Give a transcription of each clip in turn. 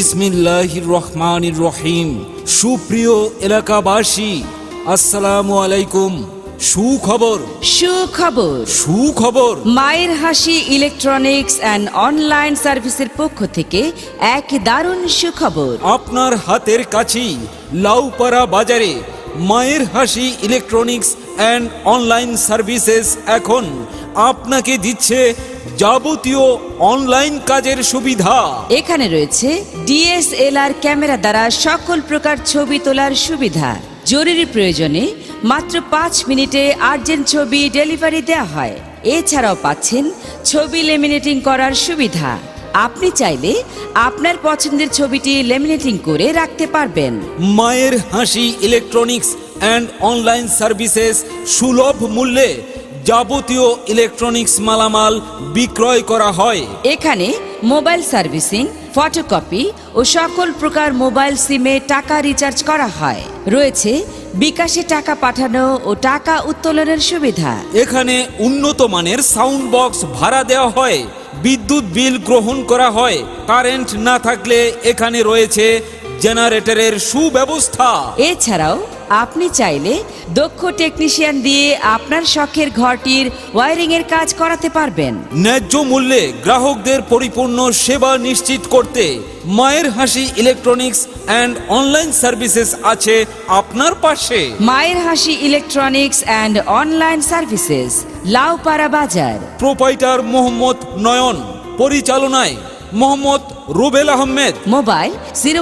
বিসমিল্লাহির রহমানির রহিম। সুপ্রিয় এলাকাবাসী, আসসালামু আলাইকুম। সুখবর সুখবর সুখবর মায়ের হাসি ইলেকট্রনিক্স অ্যান্ড অনলাইন সার্ভিসের পক্ষ থেকে এক দারুণ সুখবর। আপনার হাতের কাছেই লাউপাড়া বাজারে মায়ের হাসি ইলেকট্রনিক্স অ্যান্ড অনলাইন সার্ভিসেস এখন আপনাকে দিচ্ছে যাবতীয় অনলাইন কাজের সুবিধা। এখানে রয়েছে ডিএসএলআর ক্যামেরা দ্বারা সকল প্রকার ছবি তোলার সুবিধা। জরুরি প্রয়োজনে মাত্র 5 মিনিটে আর্জেন্ট ছবি ডেলিভারি দেওয়া হয়। এছাড়াও পাচ্ছেন ছবি লেমিনেটিং করার সুবিধা। আপনি চাইলে আপনার পছন্দের ছবিটি লেমিনেটিং করে রাখতে পারবেন। মায়ের হাসি ইলেকট্রনিক্স অ্যান্ড অনলাইন সার্ভিসেস সুলভ মূল্যে যাবতীয় ইলেকট্রনিক্স মালামাল বিক্রয় করা হয়। এখানে মোবাইল সার্ভিসিং, ফটোকপি ও সকল প্রকার মোবাইল সিমে টাকা রিচার্জ করা হয়। রয়েছে বিকাশে টাকা পাঠানো ও টাকা উত্তোলনের সুবিধা। এখানে উন্নত মানের সাউন্ড বক্স ভাড়া দেওয়া হয়, বিদ্যুৎ বিল গ্রহণ করা হয়। কারেন্ট না থাকলে এখানে রয়েছে জেনারেটরের সুব্যবস্থা। এছাড়াও আপনি চাইলে দক্ষ টেকনিশিয়ান দিয়ে আপনার শখের ঘরটির ওয়্যারিং এর কাজ করাতে পারবেন। ন্যায্য মূল্যে গ্রাহকদের পরিপূর্ণ সেবা নিশ্চিত করতে মায়ের হাসি ইলেকট্রনিক্স অ্যান্ড অনলাইন সার্ভিসেস আছে আপনার পাশে। মায়ের হাসি electronics and online services, Laupara Bazar. Proprietor Mohammad নয়ন, পরিচালনায় মোহাম্মদ রুবেল আহমেদ। মোবাইল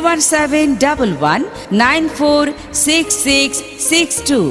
01711946662।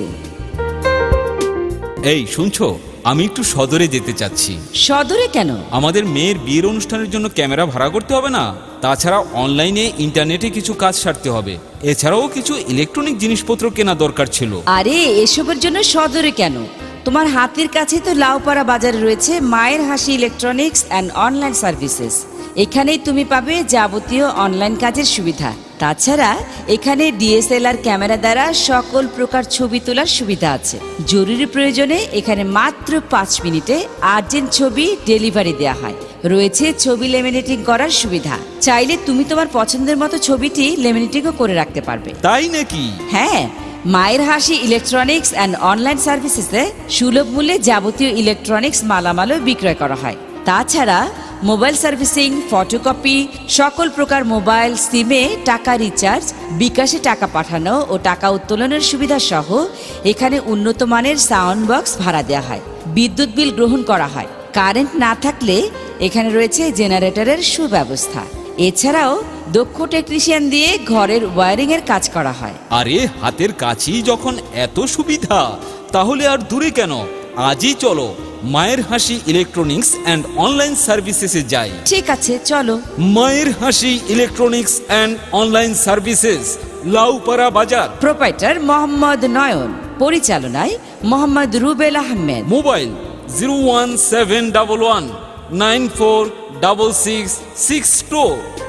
এই শুনছো, আমি একটু সদরে যেতে চাচ্ছি। সদরে কেন? আমাদের মেয়ের বিয়ের অনুষ্ঠানের জন্য ক্যামেরা ভাড়া করতে হবে না? তাছাড়া অনলাইনে ইন্টারনেটে কিছু কাজ সারতে হবে। এছাড়াও কিছু ইলেকট্রনিক জিনিসপত্র কেনা দরকার ছিল। আরে এসবের জন্য সদরে কেন? তোমার হাতের কাছে তো লাউপাড়া বাজারে রয়েছে মায়ের হাসি ইলেকট্রনিক্স অ্যান্ড অনলাইন সার্ভিসেস। এখানেই তুমি পাবে যাবতীয় অনলাইন কাজের সুবিধা। তাছাড়া এখানে ডিএসএলআর ক্যামেরা দ্বারা সকল প্রকার ছবি তোলার সুবিধা আছে। জরুরি প্রয়োজনে এখানে মাত্র 5 মিনিটে আর্জেন্ট ছবি ডেলিভারি দেওয়া হয়। রয়েছে ছবি লেমিনেটিং করার সুবিধা। চাইলে তুমি তোমার পছন্দের মতো ছবিটি লেমিনেটিংও করে রাখতে পারবে। তাই নাকি? হ্যাঁ, মায়ের হাসি ইলেকট্রনিক্স অ্যান্ড অনলাইন সার্ভিসেসে সুলভ মূল্যে যাবতীয় ইলেকট্রনিক্স মালামালও বিক্রয় করা হয়। তাছাড়া মোবাইল সার্ভিসিং, ফটোকপি, সকল প্রকার মোবাইল সিমে টাকা রিচার্জ, বিকাশে টাকা পাঠানো ও টাকা উত্তোলনের সুবিধা সহ এখানে উন্নত মানের সাউন্ড বক্স ভাড়া দেওয়া হয়। বিদ্যুৎ বিল গ্রহণ করা হয়। কারেন্ট না থাকলে এখানে রয়েছে জেনারেটরের সুব্যবস্থা। এছাড়াও দক্ষ টেকনিশিয়ান দিয়ে ঘরের ওয়্যারিং এর কাজ করা হয়। আরে হাতের কাছেই যখন এত সুবিধা, তাহলে আর দূরে কেন? আজই চলো মায়ের হাসি ইলেকট্রনিক্স অ্যান্ড অনলাইন সার্ভিসেসে যাই। ঠিক আছে, চলো। মায়ের হাসি electronics and online services, Laupara Bazar. Proprietor Mohammad নয়ন, পরিচালনায় মোহাম্মদ রুবেল আহমেদ। মোবাইল 01711946662।